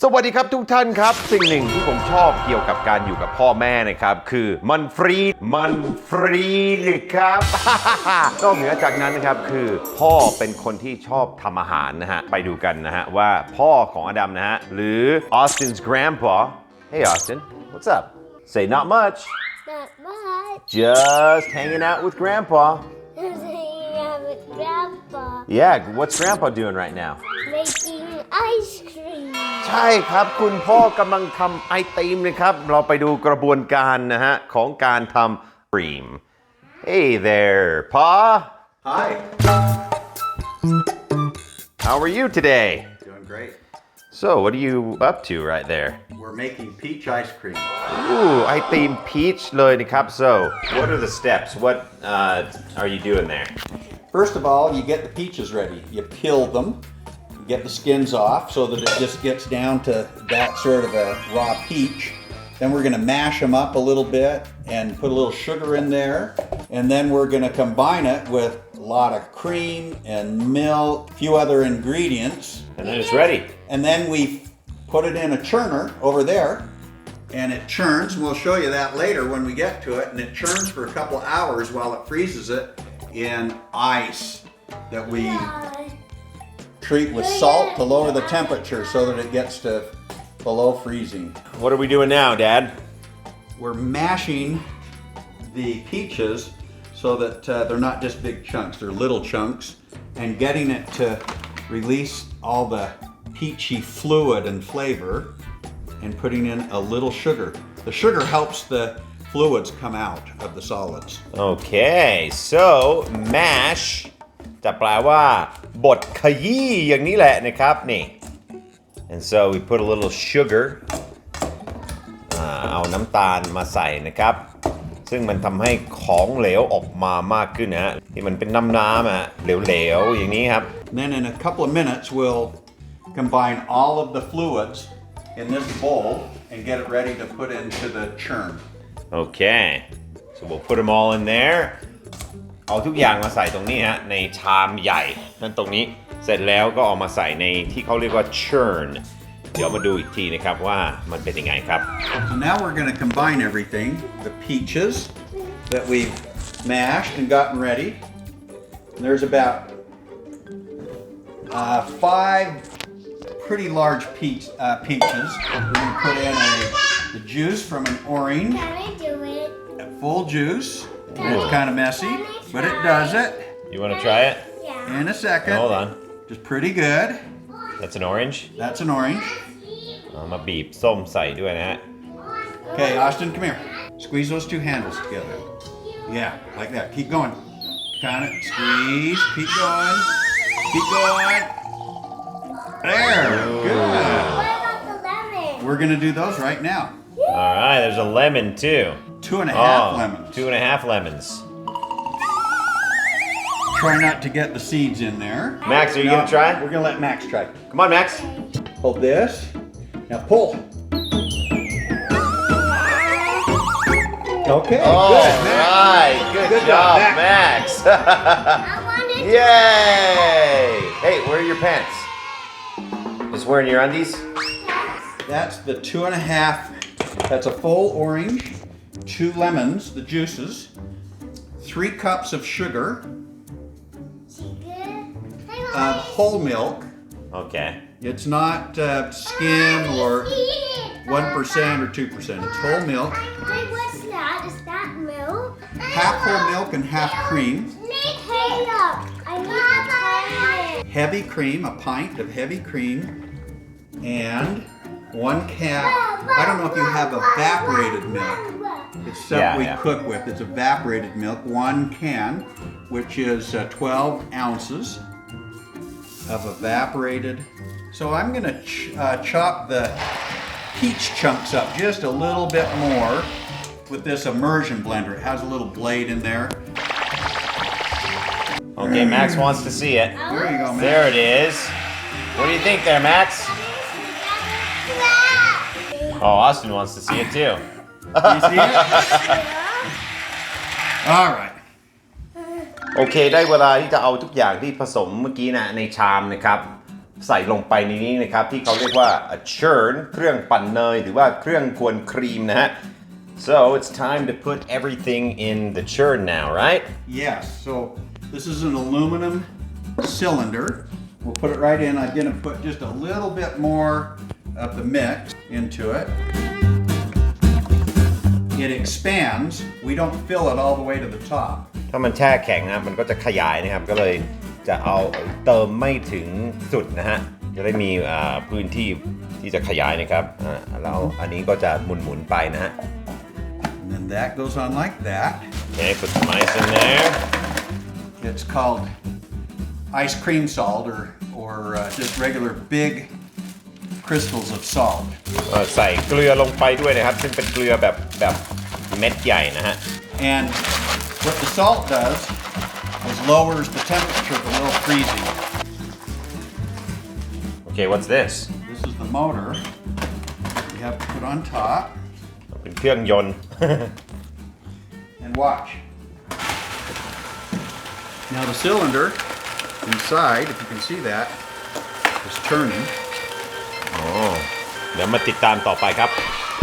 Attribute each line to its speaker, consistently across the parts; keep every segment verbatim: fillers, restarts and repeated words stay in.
Speaker 1: สวัสดีครับทุกท่านครับสิ่งหนึ่งที่ผมชอบเกี่ยวกับการอยู่กับพ่อแม่นะครับคือมันฟรีมันฟรีครับ นอกเหนือจากนั้นนะครับคือพ่อเป็นคนที่ชอบทำอาหารนะฮะไปดูกันนะฮะว่าพ่อของอดัมนะฮะหรือ Austin's grandpa Hey Austin what's up Say not much
Speaker 2: Not much.
Speaker 1: Just hanging out with grandpa
Speaker 2: Just hanging out with Grandpa.
Speaker 1: Yeah what's grandpa doing right now
Speaker 2: Making ice cream.
Speaker 1: ใช่ครับคุณพ่อกำลังทำไอติมนะครับเราไปดูกระบวนการนะฮะของการทำครีม Hey there Pa
Speaker 3: Hi.
Speaker 1: How are you today
Speaker 3: Doing great.
Speaker 1: So what are you up to right there
Speaker 3: We're making peach ice cream.
Speaker 1: Ooh ไอติม peach เลยนะครับ So what are the steps What uh, are you doing there
Speaker 3: First of all, you get the peaches ready. You peel them, you get the skins off so that it just gets down to that sort of a raw peach. Then we're going to mash them up a little bit and put a little sugar in there. And then we're going to combine it with a lot of cream and milk, a few other ingredients.
Speaker 1: And then it's ready
Speaker 3: And then we put it in a churner over there. And it churns, and we'll show you that later when we get to it. And it churns for a couple of hours while it freezes it in ice that we treat with salt to lower the temperature so that it gets to below freezing.
Speaker 1: What are we doing now Dad
Speaker 3: We're mashing the peaches so that uh, they're not just big chunks, they're little chunks, and getting it to release all the peachy fluid and flavor and putting in a little sugar. The sugar helps the fluids come out of the solids.
Speaker 1: Okay so mash จะแปลว่าบดขยี้อย่างนี้แหละนะครับนี่ and so we put a little sugar อ่าเอาน้ำตาลมาใส่นะครับซึ่งมันทำให้ของเหลวออกมามากขึ้นนะฮะที่มันเป็นน้ำๆอ่ะเหลวๆอย่างนี้ครับ
Speaker 3: Then in a couple of minutes we'll combine all of the fluids in this bowl and get it ready to put into the churn.
Speaker 1: Okay so we'll put them all in there เอาทุกอย่างมาใส่ตรงนี้ฮะในชามใหญ่นั่นตรงนี้เสร็จแล้วก็เอามาใส่ในที่เขาเรียกว่า churn เดี๋ยวมาดูอีกทีนะครับว่ามันเป็นยังไงครับ
Speaker 3: So now we're going to combine everything, the peaches that we've mashed and gotten ready. And there's about uh, five pretty large peach, uh, peaches. We're going to put in a, the juice from an orange,
Speaker 2: Can I do it?
Speaker 3: a full juice. It's kind of messy, but it does it
Speaker 1: You want to try it
Speaker 2: Yeah.
Speaker 3: in a second.
Speaker 1: Hold on
Speaker 3: Just pretty good.
Speaker 1: That's an orange
Speaker 3: That's an orange.
Speaker 1: เอามาบีบส้มใส่ด้วยนะฮะ
Speaker 3: Okay, Austin, come here. Squeeze those two handles together. Yeah, like that. Keep going. Count it. Squeeze. Keep going. Keep going. There. Good.
Speaker 2: What about the lemon?
Speaker 3: We're going to do those right now.
Speaker 1: All right there's a lemon too
Speaker 3: Two and a half
Speaker 1: oh,
Speaker 3: lemons.
Speaker 1: two and a half lemons
Speaker 3: Try not to get the seeds in there.
Speaker 1: Max are you
Speaker 3: No,
Speaker 1: gonna try
Speaker 3: We're going to let Max try.
Speaker 1: Come on Max
Speaker 3: Hold this. Now pull. Okay,
Speaker 1: All
Speaker 3: good. Max.
Speaker 1: right good,
Speaker 3: Good
Speaker 1: job,
Speaker 3: job,
Speaker 1: Max
Speaker 2: I wanted to.
Speaker 1: Yay Hey where are your pants Just wearing your undies
Speaker 3: That's the two and a half. That's a full orange, two lemons, the juices, three cups of sugar, uh, whole milk.
Speaker 1: Okay
Speaker 3: It's not uh, skim or one percent or two percent. It's whole milk,
Speaker 2: Wait, what's that? Is that milk?
Speaker 3: half whole milk and half cream.
Speaker 2: Hey, look. I need to try it.
Speaker 3: Heavy cream, a pint of heavy cream, and one cap. I don't know if you have evaporated milk. It's stuff
Speaker 1: Yeah,
Speaker 3: we
Speaker 1: yeah.
Speaker 3: cook with. It's evaporated milk, one can, which is uh, twelve ounces of evaporated. So I'm going to ch uh, chop the peach chunks up just a little bit more with this immersion blender. It has a little blade in there.
Speaker 1: Okay Max wants to see it
Speaker 3: There you go, man.
Speaker 1: There it is What do you think there Max Oh Austin wants to see it too
Speaker 3: You see it? All right.
Speaker 1: โอเคได้เวลาที่จะเอาทุกอย่างที่ผสมเมื่อกี้นะในชามนะครับใส่ลงไปในนี้นะครับที่เขาเรียกว่า a churn เครื่องปั่นเนยหรือว่าเครื่องกวนครีมนะฮะ so it's time to put everything in the churn now right
Speaker 3: Yes, so this is an aluminum cylinder. We'll put it right in. I'm going to put just a little bit more of the mix into it. It expands. We don't fill it all the way to the top.
Speaker 1: ถ้ามันแช่แข็งนะมันก็จะขยายนะครับก็เลยจะเอาเติมไม่ถึงสุดนะฮะจะได้มีอ่าพื้นที่ที่จะขยายนะครับอ่าแล้วอันนี้ก็จะหมุนๆไปนะฮะ
Speaker 3: And then that goes on like that.
Speaker 1: Okay put some ice in there
Speaker 3: It's called ice cream salt or, or uh, just regular big crystals of salt.
Speaker 1: เอ่อใส่เกลือลงไปด้วยนะครับซึ่งเป็นเกลือแบบแบบเม็ดใหญ่นะฮะ
Speaker 3: And what the salt does is lowers the temperature below freezing.
Speaker 1: Okay what's this
Speaker 3: This is the motor we have to put on top.
Speaker 1: เป็นเครื่องยนต์
Speaker 3: And watch. Now the cylinder inside, if you can see that, is turning.
Speaker 1: อ๋อเดี๋ยวมาติดตามต่อไปครับ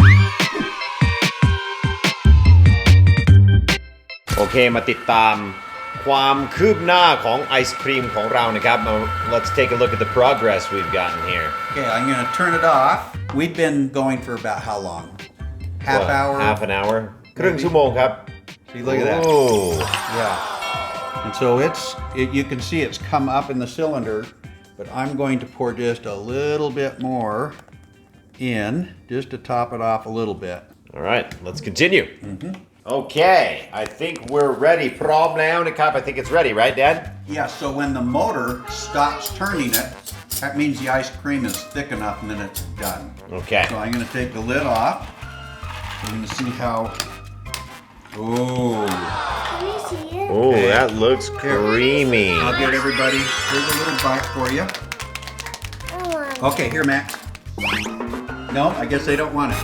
Speaker 1: โอเคมาติดตามความคืบหน้าของไอศครีมของเรานะครับ Let's take a look at the progress we've gotten here
Speaker 3: Okay, I'm going to turn it off. We've been going for about how long? Half
Speaker 1: What,
Speaker 3: hour?
Speaker 1: half an hour ครึ่งชั่วโมงครับ
Speaker 3: See, look at that.
Speaker 1: Oh.
Speaker 3: Yeah. And so it's, it, you can see it's come up in the cylinder, but I'm going to pour just a little bit more in, just to top it off a little bit.
Speaker 1: All right let's continue Okay I think we're ready พร้อมแล้วนะครับ I think it's ready right Dad
Speaker 3: Yeah, so when the motor stops turning it, that means the ice cream is thick enough and then it's done.
Speaker 1: Okay
Speaker 3: So I'm going to take the lid off. We're going to see how. Oh.
Speaker 2: Can you see it?
Speaker 1: Oh that looks creamy
Speaker 3: I'll get everybody. Here's a little bite for you.
Speaker 2: I want
Speaker 3: Okay, here, Max. No, I guess they don't want it.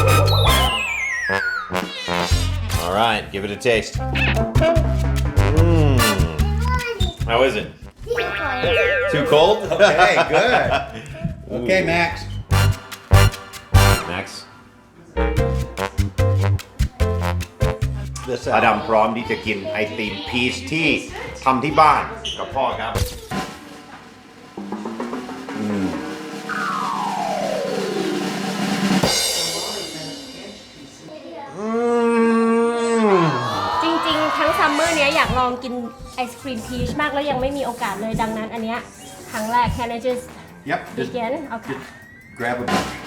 Speaker 1: All right give it a taste mm. How is it
Speaker 2: it.
Speaker 1: Too cold
Speaker 3: Okay, good. Okay, Max.
Speaker 1: Max
Speaker 3: This
Speaker 1: อดัม
Speaker 3: out.
Speaker 1: พร้อมที่จะกินไอติมพีชที่ทำที่บ้านกับพ่อครับ
Speaker 4: จริงๆ ทั้งซัมเมอร์เนี้ยอยากลองกินไอศครีมพีชมากแล้วยังไม่มีโอกาสเลยดังนั้นอันเนี้ยครั้งแรก Can I just
Speaker 3: Yep. Just,
Speaker 4: begin? Okay.
Speaker 3: just grab a bunch.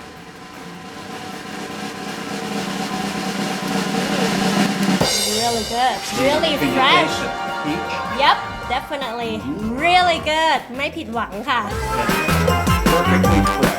Speaker 4: Really good. Really
Speaker 3: Can you
Speaker 4: fresh.
Speaker 3: taste it? Peach?
Speaker 4: Yep, definitely. Really good. ไม่ผิดหวังค่ะ
Speaker 3: Perfectly fresh.